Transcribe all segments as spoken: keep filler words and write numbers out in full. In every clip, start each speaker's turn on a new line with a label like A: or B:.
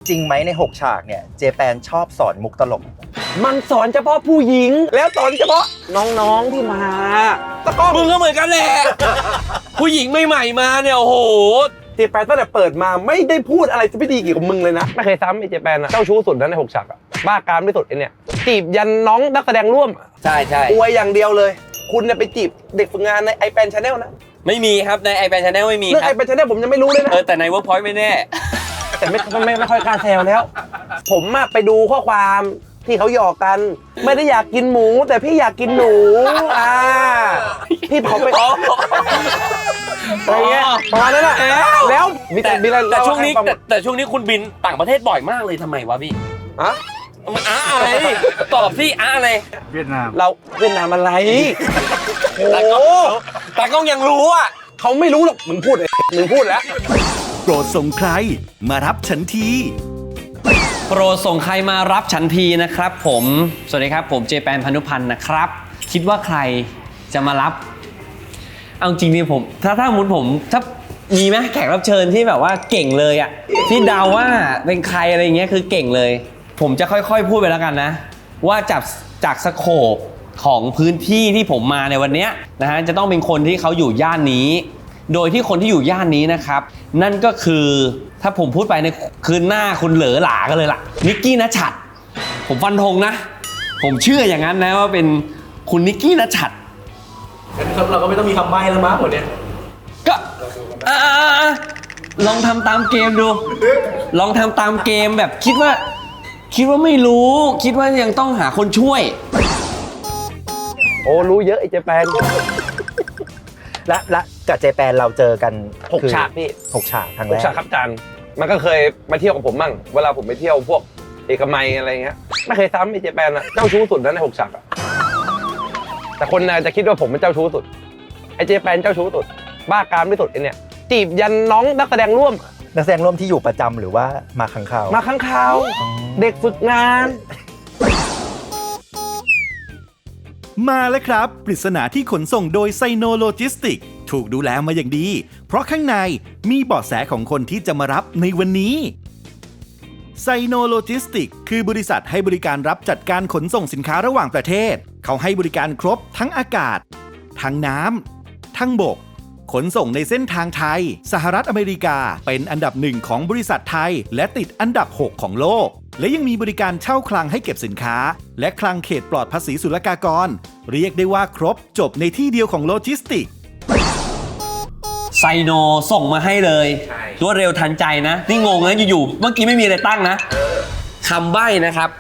A: จริงไหมในหกฉากเนี่ยเจแปนชอบสอนมุกตลก
B: มันสอนเฉพาะผู้หญิงแล้วสอนเฉพาะน้องๆที่มาตะก้อง
C: มึงก็เหมือนกันแหละ ผู้หญิงใหม่ๆมาเนี่ยโอ้โห
B: เจแปนตั้งแต่เปิดมาไม่ได้พูดอะไรไม่ดีเกี่ยวกับมึงเลยนะไม่เคยซ้ำไอ้เจแปนอะเจ้าชู้สุดนะในหกฉากอะบ้าการไม่สุดไอ้เนี่ยจีบยันน้องนักแสดงร่วม
C: ใช่ใช่
B: อวยอย่างเดียวเลยคุณเนี่ยไปจีบเด็กฝึกงานในไอแปนชาแนลนะ
C: ไม่มีครับในไอแปนชาแนลไม่มี
B: เรื่องไอแปนชาแนลผมยังไม่รู้เลยนะ
C: เออแต่ในเวิร์กพอยต์ไม่แน่
B: แต่ไม่ไม่ไม่ค่อยกล้าแซวแล้ว ผมอะไปดูข้อความที่เขาหยอกกันไม่ได้อยากกินหมูแต่พี่อยากกินหนูอ่าพี่เขาไปอะไรเงี้ยประมาณนั้นแหละแล้วมีแต่มีอะไร
C: แต่ช่วงนี้แต่แต่ช่วงนี้คุณบินต่างประเทศบ่อยมากเลยทำไมวะพี่
B: อะ
C: มันอ้าอะไรตอบสิอ้าอะไร
A: เวียดนาม
B: เราเวียดนามอะไรโอ้
C: แต่ก็ยังรู้อ่ะ
B: เขาไม่รู้หรอกมึงพูดมึงพูดแล้ว
D: โปรดส่งใครมารับฉันที
C: โปรดส่งใครมารับฉันทีนะครับผมสวัสดีครับผมเจแปนพานุพันธ์นะครับคิดว่าใครจะมารับเอาจริงนี่ผมถ้าถ้ามุนผมถ้ามีไหมแขกรับเชิญที่แบบว่าเก่งเลยอ่ะที่เดาว่าเป็นใครอะไรเงี้ยคือเก่งเลยผมจะค่อยๆพูดไปแล้วกันนะว่าจากจากสโคปของพื้นที่ที่ผมมาในวันนี้นะฮะจะต้องเป็นคนที่เขาอยู่ย่านนี้โดยที่คนที่อยู่ย่านนี้นะครับนั่นก็คือถ้าผมพูดไปในคืนหน้าคุณเหลอหลากันเลยล่ะนิกกี้ณชัดผมฟันธงนะผมเชื่ออย่างนั้นนะว่าเป็นคุณนิกกี้ณชัด
E: งั้นเราก็ไม่ต้องมีคำใบ้แล้วมั้งหมดเนี่ย
C: ก็อ่าลองทำตามเกมดูลองทำตามเกมแบบคิดว่าคิดว่าไม่รู้คิดว่ายังต้องหาคนช่วย
B: โอ้รู้เยอะไอ้เจแปน
A: และและกับเจแปนเราเจอกัน
B: หกฉากพี่
A: หกฉากครั้งแรก
B: หกฉากครับจันมันก็เคยมาเที่ยวกับผมมั่งเวลาผมไปเที่ยวพวกเอกมัยอะไรเงี้ยไม่เคยซ้ำไอ้เจแปนอะเจ้าชู้สุดนะในหกฉากอะแต่คนน่าจะคิดว่าผมเป็นเจ้าชู้สุดไอ้เจแปนเจ้าชู้สุดบ้าการไม่สุดไอ้เนี่ยจีบยันน้องนักแสดงร่วม
A: นักแสดงร่วมที่อยู่ประจำหรือว่ามาครั้งคราว
B: มาครั้งคราวเด็กฝึกงาน
D: มาแล้วครับปริศนาที่ขนส่งโดยไซโนโลจิสติกถูกดูแลมาอย่างดีเพราะข้างในมีเบาะแสของคนที่จะมารับในวันนี้ไซโนโลจิสติกคือบริษัทให้บริการรับจัดการขนส่งสินค้าระหว่างประเทศเขาให้บริการครบทั้งอากาศทั้งน้ำทั้งบกขนส่งในเส้นทางไทยสหรัฐอเมริกาเป็นอันดับหนึ่งของบริษัทไทยและติดอันดับหกของโลกและยังมีบริการเช่าคลังให้เก็บสินค้าและคลังเขตปลอดภาษีศุลกากรเรียกได้ว่าครบจบในที่เดียวของโลจิสติก
C: ไซโนส่งมาให้เลยรวดเร็วทันใจนะนี่งงนะอยู่ๆเมื่อกี้ไม่มีอะไรตั้งนะคำใบ้นะครับ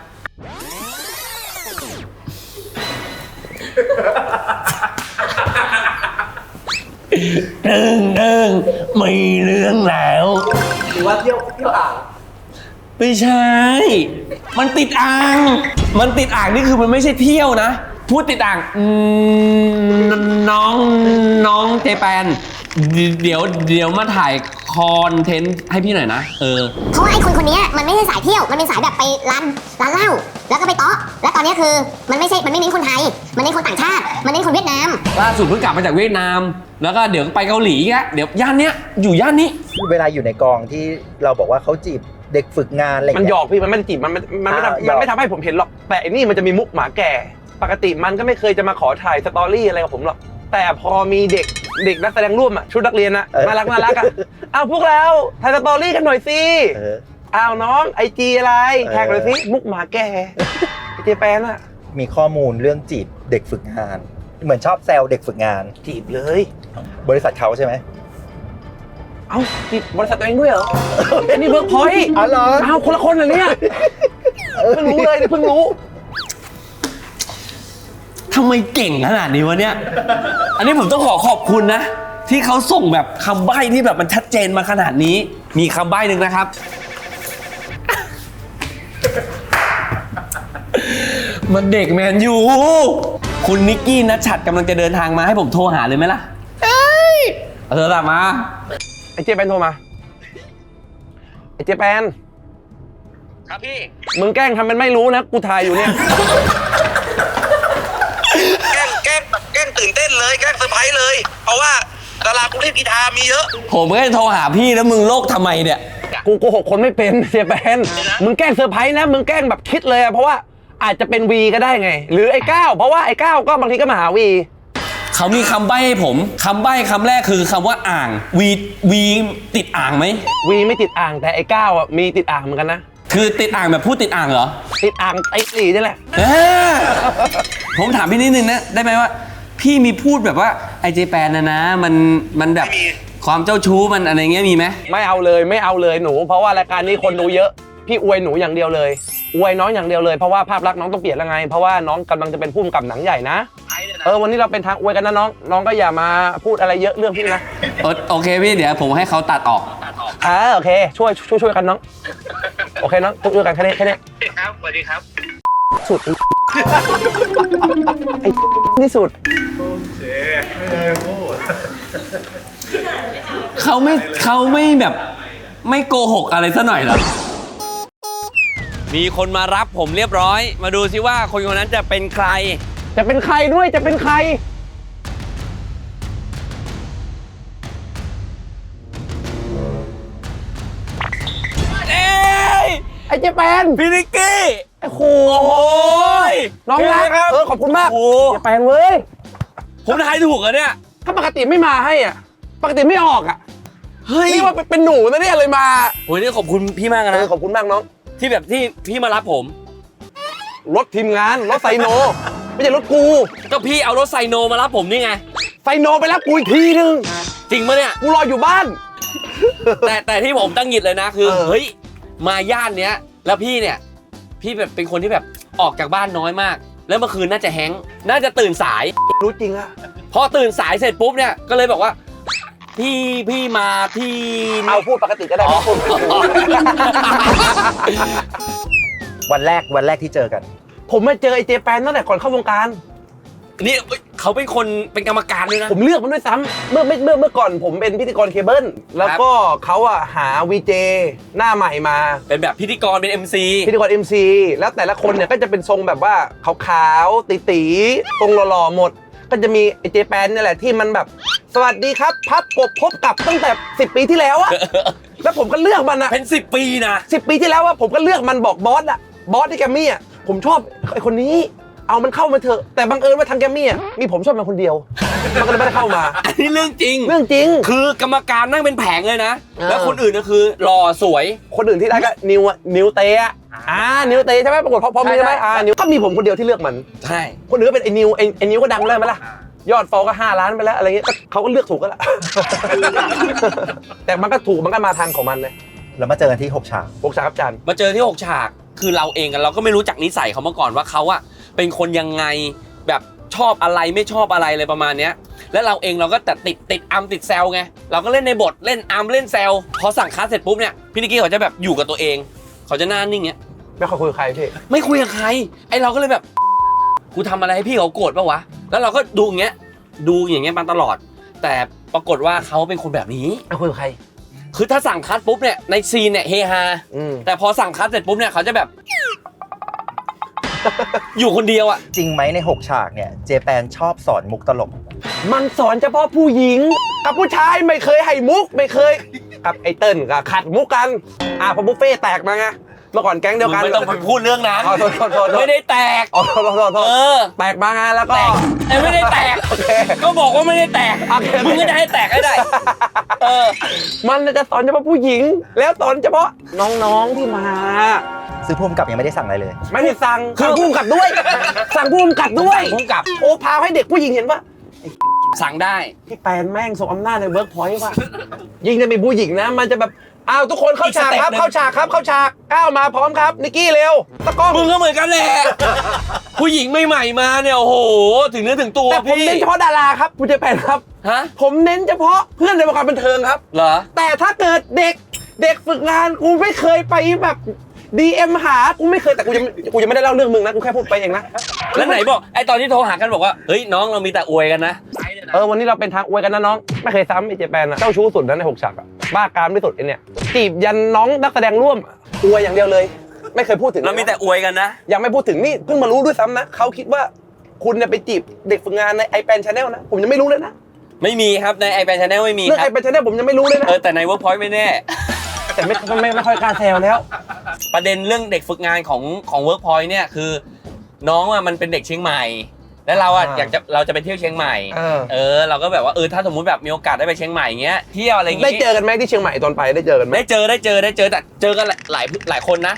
C: เดิงเดิงไม่เรื่องแล้ว
E: หรือว่าเที่ยวเที่ยวอ่าง
C: ไม่ใช่มันติดอ่างมันติดอ่างนี่คือมันไม่ใช่เที่ยวนะพูดติดอ่างน้องน้องเจแปนเดี๋ยวเดี๋ยวมาถ่ายคอนเทนต์ให้พี่หน่อยนะเออ
F: เพราะว่าไอ้คนคนนี้มันไม่ใช่สายเที่ยวมันเป็นสายแบบไปร้านร้านเหล้าแล้วก็ไปเตาะและตอนนี้คือมันไม่ใช่มันไม่เน้นคนไทยมันเน้นคนต่างชาติมันเน้นคนเวียดนาม
C: ล่าสุดเพิ่งกลับมาจากเวียดนามแล้วก็เดี๋ยวไปเกาหลีแกเดี๋ยวย่านเนี้ยอยู่ย่านนี้
A: เวลาอยู่ในกองที่เราบอกว่าเขาจีบเด็กฝึกงานอะไร
B: มันหยอกพี่มันไม่ได้จีบมันมันไม่ทำมันไม่ทำให้ผมเห็นหรอกแต่อันนี้มันจะมีมุกหมาแก่ปกติมันก็ไม่เคยจะมาขอถ่ายสตอรี่อะไรกับผมหรอกแต่พอมีเด็กเด็กนักแสดงร่วมอ่ะชุดนักเรียนอ่ะน่ารักน่ารักอ่ะเอาพวกเราถ่ายสตอรี่กันหน่อยสิเอาน้องไอจีอะไรแท็กหน่อยสิมุกหมาแก่เจแปนอ่ะ
A: มีข้อมูลเรื่องจีบเด็กฝึกงานเหมือนชอบแซวเด็กฝึกงาน
B: จีบเลย
A: บริษัทเขาใช่ไหม
B: เอ้าจีบบริษัทตัวเองด้วยเหรออันนี้เวิร์กพอยต์
A: อ๋อเหรอ
B: เอาคนละคนเหรอเนี่ยเพิ่งรู้เลยเพิ่งรู้
C: ทำไมเก่งขนาดนี้วะเนี่ยอันนี้ผมต้องขอขอบคุณนะที่เขาส่งแบบคำใบ้ที่แบบมันชัดเจนมาขนาดนี้มีคำใบ้หนึ่งนะครับมันเด็กแมนยูคุณนิกกี้ณชัดกำลังจะเดินทางมาให้ผมโทรหาเลยไหมล่ะเอ้ยเอาโทรศัพท์มา
B: ไอ้เจแปนโทรมาไอ้เจแปน
C: ครับพี่
B: มึงแกล้งทำเป็นไม่รู้นะกูถ่ายอยู่เนี่ย
G: แกล้งแกล้งแกล้งตื่นเต้นเลยแกล้งเซอร์ไพรส์เลยเพราะว่าดารากูเล่นกีฬามีเยอะ
C: ผมก็จะโทรหาพี่แล้วมึงโลกทำไมเนี่ย
B: กูโกหกคนไม่เป็นเจแปนมึงแกล้งเซอร์ไพรส์นะมึงแกล้งแบบคิดเลยอะเพราะว่าอาจจะเป็นวีก็ได้ไง หรือไอ้ก้าวเพราะว่าไอ้ก้าวก็บางทีก็มาหาวี
C: เขามีคำใบ้ให้ผมคำใบ้คำแรกคือคำว่าอ่างวีวีติดอ่างไหม
B: วีไม่ติดอ่างแต่ไอ้ก้าวอ่ะมีติดอ่างเหมือนกันนะ
C: คือติดอ่างแบบพูดติดอ่างเหรอ
B: ติดอ่างไอ้สี่นี่แหละ
C: เออผมถามพี่นิดนึงนะได้ไหมว่า พี่มีพูดแบบว่าไอเจแปนนะนะมันมันแบบความเจ้าชู้มันอะไรเงี้ยมีไหม
B: ไม่เอาเลยไม่เอาเลยหนูเพราะว่ารายการนี้คนดูเยอะพี่อวยหนูอย่างเดียวเลยอวยน้องอย่างเดียวเลยเพราะว่าภาพลักษณ์น้องต้องเปลี่ยนแล้วไงเพราะว่าน้องกำลังจะเป็นผู้กำกับหนังใหญ่นะเออวันนี้เราเป็นทางอวยกันนะน้องน้องก็อย่ามาพูดอะไรเยอะเรื่องพี่นะ
C: โอโอเคพี่เดี๋ยวผมให้เขาตัดออก
B: อ่าโอเคช่วยช่วยช่วยกันน้องโอเคน้องช่วยกันแค่นี้แค่นี้
G: ครับสวัสดีครับ
B: สุดไอ้ที่สุด
C: เขาไม่เขาไม่แบบไม่โกหกอะไรซะหน่อยเหรอมีคนมารับผมเรียบร้อย มาดูซิว่าคนคนนั้นจะเป็นใคร
B: จะเป็นใครด้วยจะเป็นใคร
C: เอ้ย
B: ไอ้เจแปน
C: พี่นิกกี้
B: ไอ้โห
C: โอ้ย
B: น้องรัก
C: ครับ
B: เออขอบคุณมาก
C: โอ้
B: เจแปนเว้ย
C: ผมทายถูกเหรอเนี่ย
B: ถ้าปกติไม่มาให้อ่ะปกติไม่ออกอ่ะ
C: เฮ้ย
B: นี่ว่าเป็นหนูนะเนี่ยเลยมา
C: โอ้ยนี่ขอบคุณพี่มาก
B: เอ
C: นะ
B: อขอบคุณมากน้อง
C: ที่แบบที่พี่มารับผม
B: รถทีมงานรถไซโน ไม่ใช่รถกู
C: ก็พี่เอารถไซโนมารับผมนี่ไง
B: ไซโนไปรับกูอีกทีนึง
C: จริงปะเนี่ย
B: กูรออยู่บ้าน
C: แต่แต่ที่ผมตั้งหงิดเลยนะคือ
B: เออ
C: เฮ้ยมาย่านเนี้ยแล้วพี่เนี่ยพี่แบบเป็นคนที่แบบออกจากบ้านน้อยมาก แล้วเมื่อคืนน่าจะแฮงก์น่าจะตื่นสาย
B: รู้จริงอะ
C: พอตื่นสายเสร็จปุ๊บเนี่ยก็เลยบอกว่า พี่พี่มาที่
B: เอาพูดปกติก็ได้
C: อ๋อ
B: ไม่พูด
A: วันแรกวันแรกที่เจอกัน
B: ผมมาเจอไอ้เจแปนตั้งแต่ก่อนเข้าวงการ
C: นี่เอ้ยเขาเป็นคนเป็นกรรมการด้วยนะ
B: ผมเลือกมันด้วยซ้ำเมื่อเมื่อเมื่อเมื่อก่อนผมเป็นพิธีกรเคเบิลแล้วก็เขาอะหาวีเจหน้าใหม่มา
C: เป็นแบบพิธีกรเป็น เอ็ม ซี
B: พิธีกร เอ็ม ซี แล้วแต่ละคนเนี่ยก็จะเป็นทรงแบบว่าขาวๆตีๆทรงหล่อๆหมด ก็จะมีไอเจแปนนี่แหละที่มันแบบสวัสดีครับพับกบพบกับตั้งแต่สิบปีที่แล้วอะแล้วผมก็เลือกมันอะ
C: เป็นสิบปีนะ
B: สิบปีที่แล้วอะผมก็เลือกมันบอกบอสอะบอสที่แกรมมี่อะผมชอบไอคนนี้เอามันเข้ามาเถอะแต่บังเอิญว่าทางแกรมมี่อะมีผมชอบมันคนเดียวมันก็เลยไม่ได้เข้ามา
C: อันนี้เรื่องจริง
B: เรื่องจริง
C: คือกรรมการนั่งเป็นแผงเลยนะ
B: เออ
C: แล้วคนอื่นก็คือหล่อสวย
B: คนอื่นที่ได้ก็นิวอะนิวเตะอ่านิวเตใช่ไหมปรากฏพอพอมีใช่ไหมอ่านิวก็มีผมคนเดียวที่เลือกมัน
C: ใช่
B: คนอื่นก็เป็นไอ้นิวไอ้ไอ้นิวก็ดังแล้วไหมล่ะยอดฟอลก็ห้าล้านไปแล้วอะไรเงี้ยก็เขาก็เลือกถูกก็แล้ว แต่มันก็ถูกมันก็มาทางของมันเลย
A: แล้วมาเจอกันที่หกฉาก
B: พวกชาครับจัน
C: มาเจอที่หกฉากคือเราเองกันเราก็ไม่รู้จักนิสัยเขามาก่อนว่าเขาอะเป็นคนยังไงแบบชอบอะไรไม่ชอบอะไรเลยประมาณเนี้ยแล้วเราเองเราก็แต่ติดติดอัมติดแซวไงเราก็เล่นในบทเล่นอัมเล่นแซวพอสั่งคัสเสร็จปุ๊บเนี่ยพี่นิกกี้เขาจะแบบอยู่กับตัวเองเขาจะหน้านิ่งเงี้ย
B: ไม่ค่อยคุยกับใครพี่
C: ไม่คุยกับใครไอเราก็เลยแบบกูทำอะไรให้พี่เขาโกรธปะวะแล้วเราก็ดูอย่างเงี้ยดูอย่างเงี้ยมาตลอด แต่ปรากฏว่าเขาเป็นคนแบบนี้
B: ไม่คุยกับใคร
C: คือถ้าสั่งคัสปุ๊บเนี่ยในซีนเนี่ยเฮฮา
B: อืม
C: แต่พอสั่งคัสเสร็จปุ๊บเนี่ยเขาจะแบบ อยู่คนเดียวอะ
A: จริงไหมในหกฉากเนี่ยเจแปนชอบสอนมุกตลก
B: มันสอนเฉพาะผู้หญิงกับผู้ชายไม่เคยให้มุกไม่เคยกับไอ้เติ้ลกับขัดมุกกันอ่าพอบุฟเฟ่แตกมาไงเมื่อก่อนแก๊งเดียวกัน
C: ไม่ต้องไปพูดเรื่องนั้น
B: อ๋อโทษโทษโทษ
C: ไม่ได้แตก
B: อ๋อโทษโทษโทษโทษ
C: เออ
B: แตกมาไงแล้วก็
C: แตกแต่ไม่ได้แตก
B: โอเค
C: ก็บอกว่าไม่ได้แตก
B: โอเค
C: มึงก็จะให้แตกให้ได้ เออ
B: มันจะสอนเฉพาะผู้หญิง แล้วสอนเฉพาะน้องๆที่มา
A: ซึ่งพุ่มกับยังไม่ได้สั่งอะไรเลย
B: ไม่ได้สั่งสั่งผู้กำกับด้วย สั่งผู้กำกับด้วย
C: สั่งผู้กำกับ
B: โอ้พาให้เด็กผู้หญิงเห็นว่า
C: สั่งได้
B: พี่แปนแม่งส่งอำนาจในเวิร์กพอยต์ว่ะยิ่งจะมีผู้หญิงนะ มันจะแบบอ้าวทุกคนเข้าฉากครับ
C: อีกสเต็ปหนึ่ง
B: เข้าฉากครับเข้าฉากก้าวมาพร้อมครับนิกกี้เร็วตะกล้อง
C: มึงก็เหมือนกันแหละ ผู้หญิงใหม่ๆมาเนี่ยโอ้โห ถึงเนื้อถึงตัว
B: แต่ผม
C: พี่
B: เน้นเฉพาะดาราครับคุณเจแปนครับ
C: ฮะ
B: ผมเน้นเฉพาะเพื่อนในวงการบันเทิงครับ
C: เหรอ
B: แต่ถ้าเกิดเด็กเด็กฝึกงานกูไม่เคยไปแบบ ดี เอ็ม หากูไม่เคยแต่กูยังกูยังไม่ได้เล่าเรื่องมึงนะกูแค่พูดไปเองนะ
C: แล้วไหนบอกไอตอนที่โทรหากันบอกว่าเฮ้ยน้องเรามีแต่อวยกันนะ
B: เออวันนี้เราเป็นทางอวยกันนะน้องไม่เคยซ้ำไอเจแปนอะเจ้าชู้สุดนะในหกฉากอะบ้ากามที่สุดไอเนี่ยจีบยันน้องนักแสดงร่วมอวยอย่างเดียวเลย ไม่เคยพูดถึง
C: เรามีแต่อวยกันนะ
B: ยังไม่พูดถึงนี่เพิ่งมารู้ด้วยซ้ำนะเขาคิดว่าคุณเนี่ยไปจีบเด็กฝึกงานในไอแปนชาแนลนะผมยังไม่รู้เลยนะ
C: ไม่มีครับในไอแปนชาแนลไม่มี
B: เรื่อง
C: ค
B: ไอ
C: รับ
B: แปนชาแนลผมยังไม่รู้เลยนะ
C: เออแต่ในเวิร์กพอยต์ไม่แน่
B: แต่ไม่ไม่ไม่ค่อยกล้าแซวแล้ว
C: ประเด็นเรื่องเด็กฝึกงานของของเวิร์กพอยต์เนี่ยคือน้องอ่ะมันเป็นเด็กเชียงใหม่ แล้วเราอ่ะ
B: อ่า
C: อยากจะเราจะไปเที่ยวเชียงใหม่
B: เออ
C: เออเราก็แบบว่าเออถ้าสมมุติแบบมีโอกาสได้ไปเชียงใหม่เงี้ยเที่ยวอะไรอย่าง
B: ได้
C: งี้
B: เจอกันไหมที่เชียงใหม่ตอนไปได้เจอกันไหม
C: ได้เจอได้เจอได้เจอแต่เจอกันหลายหลายคนนะ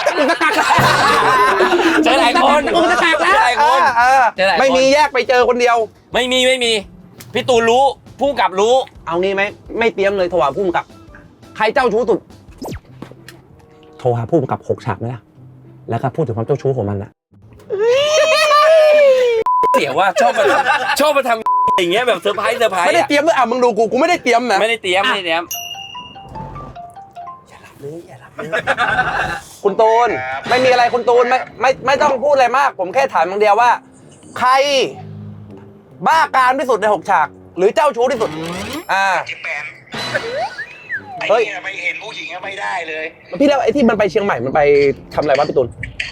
C: เจอหลายคน
B: มึงจะแตกแล้ว
C: เจอหลายคน
B: เออ
C: เจอหลายคน
B: ไม่มีแยกไปเจอคนเดียว
C: ไม่มีไม่มีพี่ตูนรู้ผู้กำกับรู้
B: เอางี้ไหมไม่เตรียมเลยโทรหาผู้กำกับ ใครเจ้าชู้สุด โทรหาผู้กำกับหกฉากไหมล่ะ แล้วก็พูดถึงความเจ้าชู้ของมันอะ
C: เสียว่าชอบมาทำชอบมาทำอย่างเงี้ยแบบเซอร์ไพรส์เซอร์ไพรส์
B: ไม่ได้
C: อะ
B: เตรียมด้วยอ่ะมึงดูกูกูไม่ได้เตรียมนะ
C: ไม่ได้เตรียมไม่ได้เตรียม
B: คุณตูนไม่มีอะไรคุณตูนไม่ไม่ไม่ต้องพูดอะไรมาก ผมแค่ถามอย่างเดียวว่า ใคร บ้าการที่สุดในหกฉาก หรือเจ้าชู้ที่สุด อ่า
G: เจแปนไอ้
B: เฮ้ย
G: เนี่ยไม่เห็นผู้หญิงอะไม่ได้เลย
B: พี่แล้วไอ้ที่มันไปเชียงใหม่มันไปทำอะไรวะพี่ตูน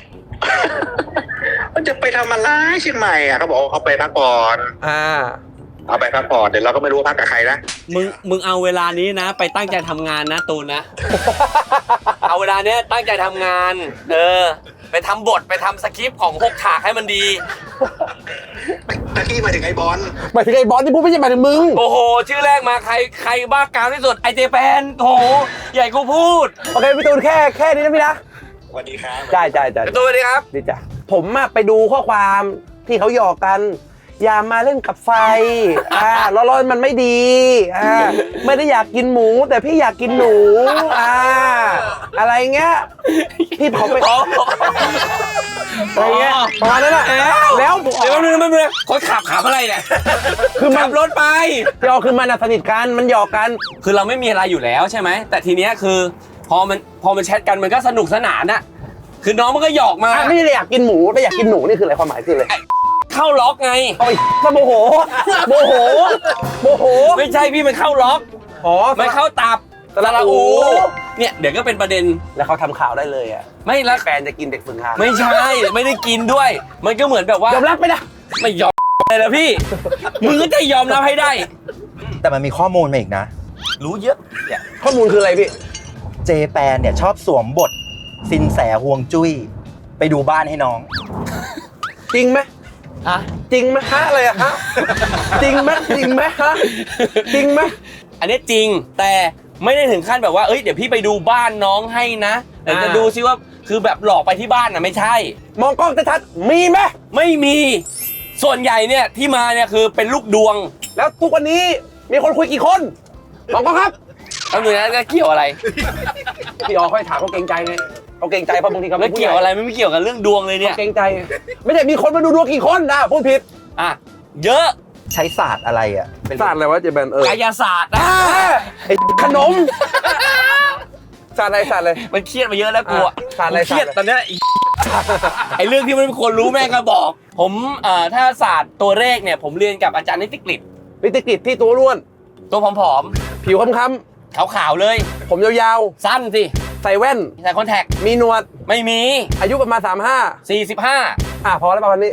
G: มันจะไปทำอะไรเชียงใหม่อ่ะเขาบอกว่าเขาไปพักผ่อน
B: อ่า
G: เอาไปพักผ่อนเดี๋ยวเราก็ไม่รู้ว่าพักกับใครนะ
C: มึงมึงเอาเวลานี้นะ ไปตั้งใจทำงานนะตูนนะ เอาเวลาเนี้ยตั้งใจทำงาน เออ ไปทำบทไปทำสคริปต์ของหกฉากให้มันดี
G: ตะกี้มาถึงไอ้บอล
B: หมายถึงไอ้บอสที่พูดไม่ใช่หมายถึงมึง
C: โอ้โห ชื่อแรกมาใครใครบ้ากามที่สุดไอเจแปนโถใหญ่กูพูด
B: โอเคพี่ตูนแค่แค่นี้นะพี่นะ
G: สวัสดีครับ
B: ใช่ใช่ใช่
C: ตูนสวัสดีครับ
B: ดีจ้ะผมอะไปดูข้อความที่เขาหยอกกัน อย่ามาเล่นกับไฟ อ่าร้อนๆมันไม่ดี อ่า ไม่ได้อยากกินหมู แต่พี่อยากกินหนู อ่า อะไรเงี้ย พี่ผมไปอะไรเงี้ยประมาณนั้นแหละแล้วผม
C: เดี๋ยวแป๊บนึงแป๊บนึงคนขับขับอะไรเนี่ย
B: คือมัน
C: ขับรถไป
B: พี่ออคือมันอะสนิทกัน มันหยอกกัน
C: คือเราไม่มีอะไรอยู่แล้วใช่ไหม แต่ทีเนี้ยคือพอมันพอมันแชทกันมันก็สนุกสนานอะคือน้องมันก็หยอกมา
B: อ่ะไม่ได้อยากกินหมูแต่อยากกินหนูนี่คืออะไรความหมายคืออะไร
C: เข้าล็อกไง
B: โอ้ยโมโห โมโห โมโห
C: ไม่ใช่พี่มันเข้าล็อก
B: อ๋อ
C: มันเข้าตับ
B: สระอู
C: เนี่ยเดี๋ยวก็เป็นประเด็น
B: แล้วเขาทำข่าวได้เลยอะ
C: ไม่ละ
B: แฟนจะกินเด็กฝึกงาน
C: ไม่ใช่ไม่ได้กินด้วย มันก็เหมือนแบบว่าย
B: อมรับไหมนะ
C: ไม่ยอมเลยนะพี่ มึงก็จะยอมรับให้ได้
A: แต่มันมีข้อมูลมาอีกนะ
C: รู้เยอะเนี่ย
B: ข้อมูลคืออะไรพี่
A: เจแปนเนี่ยชอบสวมบทสินแสฮวงจุ้ยไปดูบ้านให้น้อง
B: จริงไหม
C: ฮะ
B: จริงไหมฮะอะไรอะฮะ จริงไหมจริงไหมฮะ จริงไหม
C: อันนี้จริงแต่ไม่ได้ถึงขั้นแบบว่าเอ้ยเดี๋ยวพี่ไปดูบ้านน้องให้นะเดี๋ยวจะดูซิว่าคือแบบหลอกไปที่บ้านน่ะไม่ใช่
B: มองกล้องชัดๆมีไหม
C: ไม่มีส่วนใหญ่เนี่ยที่มาเนี่ยคือเป็นลูกดวง
B: แล้วทุกวันนี้มีคนคุยกี่คนมองกล้องครับ
C: แล้วหนูนั้นจะเกี่ยวอะไร
B: พี่ออค่อยถามเขาเกรงใจไงเขาเกรงใจเพราะบางทีเขา
C: ไม่
B: เป็นผู้ให
C: เกี่
B: ญ่
C: ยวอะไรไม่เกี่ยวกับเรื่องดวงเลยเนี่ย
B: เกรงใจ ไม่ใช่มีคนมาดูดวงกี่คนนะพูดผิด
C: อ่ะเยอะ
A: ใช้ศาสตร์อะไรอ่ะเป็น
B: ศาสตร์อะไรวะเจแปนเออก
C: ายศาสตร์นะ
B: ไอ้ขนมศาสตร์อะไรศาสตร์อะไร
C: มันเครียดมาเยอะแล้วกูอะ
B: อ่ะศาสตร์อะไร
C: ผมเครียด
B: ศาสตร์อะไร
C: ตอนเนี้ยไอ้ ไอ้เรื่องที่มันไม่ควรรู้แม่งก็บอก ผมเอ่อถ้าศาสตร์ตัวเลขเนี่ยผมเรียนกับอาจารย์นิติกฤษ
B: นิติกิจที่ตัวร่วน
C: ตัวผอม
B: ผิวค้ำ
C: ๆขาวๆเลย
B: ๆผมยาว
C: สั้นสิ
B: ๆ ใส่แว่น
C: ใส่คอนแทค
B: มีหนวด
C: ไม่มี
B: อายุประมาณสามห้า
C: สี่สิบห้า
B: อ่ะพอแล้วประมาณนี้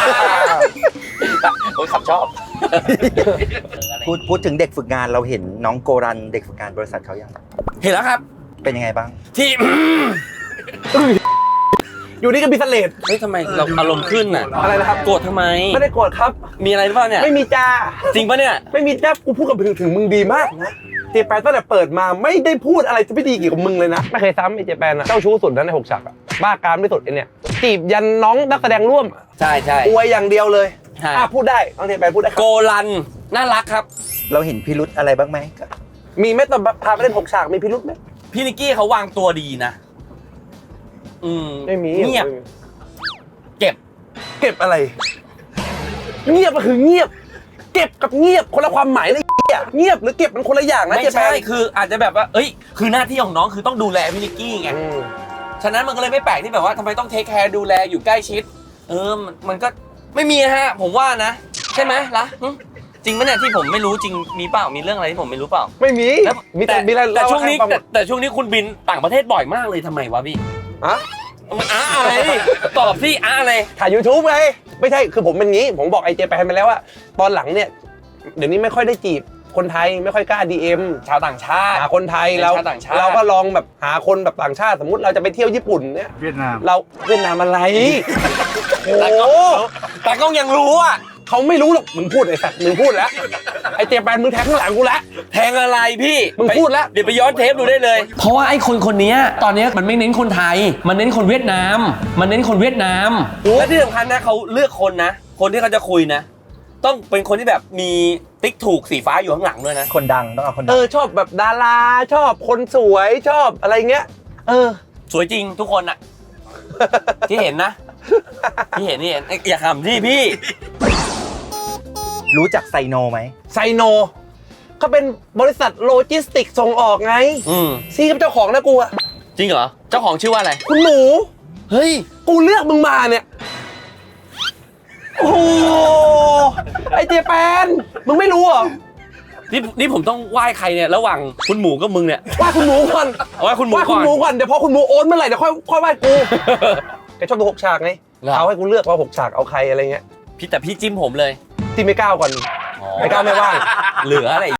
C: ผมขับชอบ
A: พูดพูดถึงเด็กฝึกงานเราเห็นน้องโกรันเด็กฝึกงานบริษัทเขายัง
C: เห็นแล้วครับ
A: เป็นยังไงบ้าง
C: ที่
B: อยู่นี่ก็มีเสลด
C: เฮ้ยทำไมเราอารมณ์ขึ้นอ่ะ
B: อะไรนะครับ
C: โกรธทำไม
B: ไม่ได้โกรธครับ
C: มีอะไรหรือเปล่าเนี่ย
B: ไม่มีจ้า
C: จริงปะเนี่ย
B: ไม่มีจ้ากูพูดกับถึงถึงมึงดีมากนะเจแปนตั้งแต่เปิดมาไม่ได้พูดอะไรจะไม่ดีเกี่ยวกับมึงเลยนะ ไม่เคยซ้ำไอ้เจแปนอะเจ้าชู้สุดนะในหกฉากอะบ้ากามที่สุดไอ้เนี่ยจีบยันน้องนักแสดงร่วม
C: ใช่ใช่
B: อวยอย่างเดียวเลย
C: ใช่
B: อ่ะพูดได้น้องเจแปนพูดได้ค
C: โก
B: รับ
C: ลันน่ารักครับ
A: เราเห็นพิรุธอะไรบ้างไหม
B: มีไหมตอนพาไปเล่นหกฉากมีพิรุธไหม
C: พี่นิกกี้เขาวางตัวดีนะ อืม
B: ไม่มี
C: เงียบ
B: ไม่มี
C: เก็บ
B: เก็บอะไร เงียบก็คือเงียบ เก็บกับเงียบคนละความหมายเลยเหี้ยเงียบหรือเก็บมันคนละอย่างนะ
C: ไม่
B: เจแป
C: ใช่
B: น
C: คืออาจจะแบบว่า เอ้ย คือหน้าที่ของน้องคือต้องดูแลพี่นิกกี้ไง
B: อืม
C: ฉะนั้นมันก็เลยไม่แปลกที่แบบว่าทำไมต้องเทคแคร์ดูแลอยู่ใกล้ชิด เออ มันมันก็ไม่มีฮะ ผมว่านะ ใช่ไหมล่ะหึจริงไหมเนี่ยที่ผมไม่รู้จริงมีเปล่ามีเรื่องอะไรที่ผมไม่รู้เปล่า
B: ไม่มี
C: แล้ว
B: มีแต่
C: แต่
B: มีอะไร
C: แต่
B: เล่า
C: ช่วงนี้
B: ให้ฟั
C: แต่แต่ช่วงนี้คุณบินต่างประเทศบ่อยมากเลยทำไมวะพี่
B: ฮะ
C: มันอ้าอะไรตอบที่อ้าอะไร
B: ถ่าย YouTube ไงไม่ใช่คือผมเป็นงี้ ผมบอกไอ้เจแปนไปแล้วว่าตอนหลังเนี่ย เดี๋ยวนี้ไม่ค่อยได้จีบคนไทยไม่ค่อยกล้า ดี เอ็ม
C: ชาวต่างชาติ
B: หาคนไทยเรา
C: ชาวต่างชาติ
B: เราก็ลองแบบหาคนแบบต่างชาติสมมุติเราจะไปเที่ยวญี่ปุ่นเนี่ย
E: เวียดนาม
B: เราเวียดนามอะไรโอ้
C: แต่ก็ยังรู้อ่ะ
B: เขาไม่รู้หรอกมึงพูดไอ้สัตว์มึงพูดแล้วไอ้เจแปนมึงแทงข้างหลังกูแล้ว
C: แทงอะไรพี่
B: มึงพูดแล้ว
C: เดี๋ยวไปย้อนเทปดูได้เลย เพราะว่าไอ้คนคนนี้ตอนนี้มันไม่เน้นคนไทย มันเน้นคนเวียดนาม มันเน้นคนเวียดนามและที่สำคัญนะเขาเลือกคนนะ คนที่เขาจะคุยนะ ต้องเป็นคนที่แบบมีติ๊กถูกสีฟ้าอยู่ข้างหลังด้วยนะ
A: คนดังต้องเอาคนดั
B: เอง อชอบแบบดาราชอบคนสวยชอบอะไรเงี้ยเออ
C: สวยจริงทุกคนอะ ที่เห็นนะ ที่เห็นที่เห็นอย่าขำที่พี่
A: รู้จักไซโนไหม
B: ไซโนเขาเป็นบริษัทโลจิสติกส่งออกไง
C: อืม
B: ซีกับเจ้าของนะกูอะ
C: จริงเหรอ เจ้าของชื่อว่าอะไร
B: คุณหมู
C: เฮ้ย
B: กูเลือกมึงมาเนี่ยโอ้โหไอเจแปนมึงไม่รู้เหรอ
C: นี่นี่ผมต้องไหว้ใครเนี่ยระหว่างคุณหมูกับมึงเนี่ย
B: ว่าคุณหมูก่อน
C: เอาไหว้คุณหมู
B: ว่า
C: ก่
B: คุ
C: อ
B: ณ
C: น
B: หมูก่อนเดี๋ยวพอคุณหมูโอนเมื่อไหร่เดี๋ยวค่อยค่อยไหว้กูแกชอบดูหกฉากไง
C: เหรอ
B: เอาให้กูเลือกว่าหกฉากเอาใครอะไรเงี้ย
C: พี่แต่พี่จิ้มผมเลย
B: ที่ไม่ก้าวก่อนไม่ก้าวไม่ว่าง
C: เหลืออะไร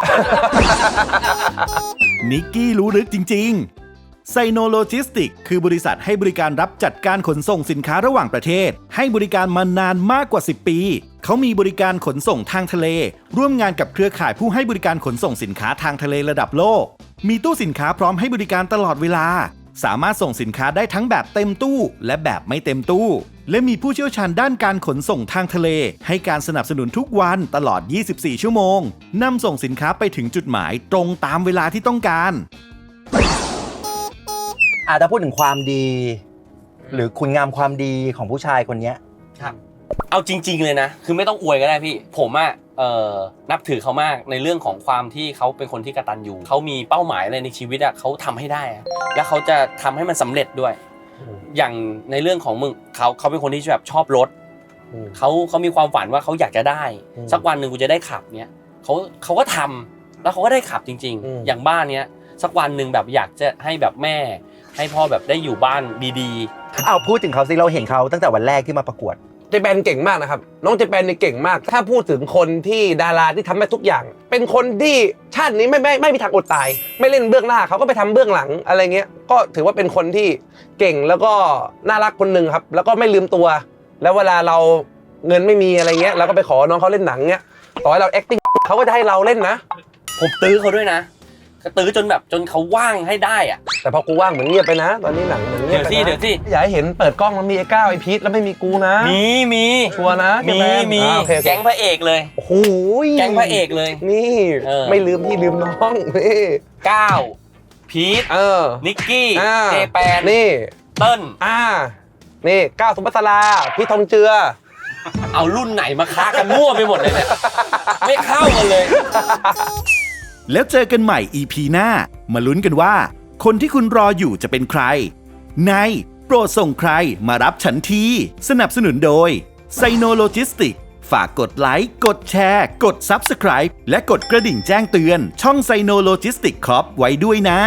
D: นิกกี้รู้ลึกจริงๆไซโนโลจิสติกคือบริษัทให้บริการรับจัดการขนส่งสินค้าระหว่างประเทศให้บริการมานานมากกว่าสิบปีเขามีบริการขนส่งทางทะเลร่วมงานกับเครือข่ายผู้ให้บริการขนส่งสินค้าทางทะเลระดับโลกมีตู้สินค้าพร้อมให้บริการตลอดเวลาสามารถส่งสินค้าได้ทั้งแบบเต็มตู้และแบบไม่เต็มตู้และมีผู้เชี่ยวชาญด้านการขนส่งทางทะเลให้การสนับสนุนทุกวันตลอดยี่สิบสี่ชั่วโมงนำส่งสินค้าไปถึงจุดหมายตรงตามเวลาที่ต้องการ
A: อาจจะถ้าพูดถึงความดี หรือคุณงามความดีของผู้ชายคนเนี้ย
C: ครับ เอาจริง ๆเลยนะ คือไม่ต้องอวยก็ได้พี่ ผมอะเอ่อนับถือเขามากในเรื่องของความที่เขาเป็นคนที่กตัญญูเขามีเป้าหมายอะไรในชีวิตอะเขาทำให้ได้อะและเขาจะทำให้มันสำเร็จด้วย อย่างในเรื่องของมึงเขาเขาเป็นคนที่แบบชอบรถเขาเขามีความฝันว่าเขาอยากจะได้ สักวันหนึ่งกูจะได้ขับเนี้ยเขาเขาก็ทำแล้วเขาก็ได้ขับจริง ๆ อย่างบ้านเนี้ยสักวันหนึ่งแบบอยากจะให้แบบแม่ให้พ่อแบบได้อยู่บ้านดีๆ
A: อ้าวพูดถึงเขาสิเราเห็นเขาตั้งแต่วันแรกที่มาประกวด
B: เจแปนเก่งมากนะครับน้องเจแปนนี่เก่งมาก ถ้าพูดถึงคนที่ดาราที่ทำได้ทุกอย่าง เป็นคนที่ชาตินี้ไม่ไม่ไม่มีทางอดตาย ไม่เล่นเบื้องหน้าเขาก็ไปทำเบื้องหลังอะไรเงี้ยก็ถือว่าเป็นคนที่เก่งแล้วก็น่ารักคนหนึ่งครับแล้วก็ไม่ลืมตัว แล้วเวลาเราเงินไม่มีอะไรเงี้ยเราก็ไปขอน้องเขาเล่นหนังเงี้ยต่อให้เรา acting เขาก็จะให้เราเล่นนะ
C: ผมตื้อเขาด้วยนะตื้อจนแบบจนเขาว่างให้ได้อะ
B: แต่พอกูว่างเหมือนเงียบไปนะ ตอนนี้หนังเหมือนเงียบไปนะ
C: เดี๋ยวสิเดี๋ยวสิ
B: อย่าให้เห็นเปิดกล้องแล้วมีไอ้ก้าวไอ้พีทแล้วไม่มีกูนะ
C: มีมี
B: ชัวร์นะ
C: มี
B: เจแปน
C: มี
B: อ่าโอเคโอเค
C: แก๊งพระเอกเลย
B: โอ้โห
C: แก๊งพระเอกเลย
B: นี่
C: เออ
B: ไม่ลืมพี่ลืมน้องนี่
C: ก้าวพีท
B: เออ
C: นิกกี้
B: อ่า
C: เจแปน
B: นี่
C: เติ้ล
B: อ่านี่ก้าวสุภัสราพี่ทองเจือ
C: เอารุ่นไหนมาค้ากันมั่วไปหมดเลยเนี่ยไม่เข้ากันเลย
D: แล้วเจอกันใหม่ อี พี หน้ามาลุ้นกันว่า คนที่คุณรออยู่จะเป็นใครในโปรดส่งใครมารับฉันทีสนับสนุนโดยไซโนโลจิสติกฝากกดไลค์กดแชร์กด ซับสไครบ์ และกดกระดิ่งแจ้งเตือนช่องไซโนโลจิสติกครับไว้ด้วยนะ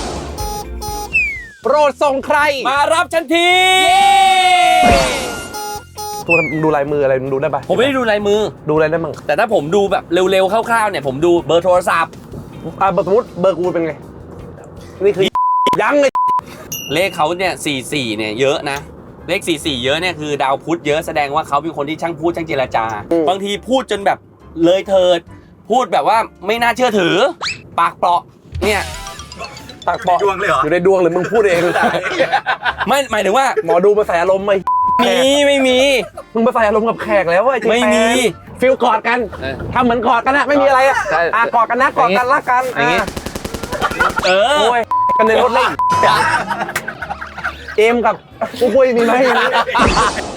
B: โปรดส่งใคร
C: มารับฉันที
B: ดูดูลายมืออะไรมึงดูได้ปะ
C: ผมไม่ได้ดูลายมือ
B: ดูอะไรได้มั่ง
C: แต่ถ้าผมดูแบบเร็วๆคร่าวๆเนี่ยผมดูเบอร์โทรศัพท์
B: อ่าสมมติเบอร์กูเป็นไงนี่คือยังไง
C: เลขเขาเนี่ยสี่สี่เนี่ยเยอะนะเลขสี่สี่เยอะเนี่ยคือดาวพุธเยอะแสดงว่าเขาเป็นคนที่ช่างพูดช่างเจรจา บางทีพูดจนแบบเลยเถิด พูดแบบว่าไม่น่าเชื่อถือ ปากเปราะเนี่ย
B: ปากปอ
A: ดวงเลยเหรอ
B: อยู่ในดวงหรือมึงพูดเอง
C: ไม่หมายถึงว่า
B: หมอดูมาใส่อารมณ์ไหม
C: มีไม่มี
B: มึงมาใส่อารมณ์กับแขกแล้วเว้ยเจแปน
C: ไม่มี
B: ฟิลกอดกัน
C: เออ
B: ทำเหมือนกอดกันนะไม่มีอะไรอ่ะ
C: ใช่
B: อ่ะกอดกันนะกอดกันรักกัน
C: อย่างงี้
B: อ่ะ
C: เออ
B: โอ้ยกันในรถเล่นเอมกับกูคุยมีไหม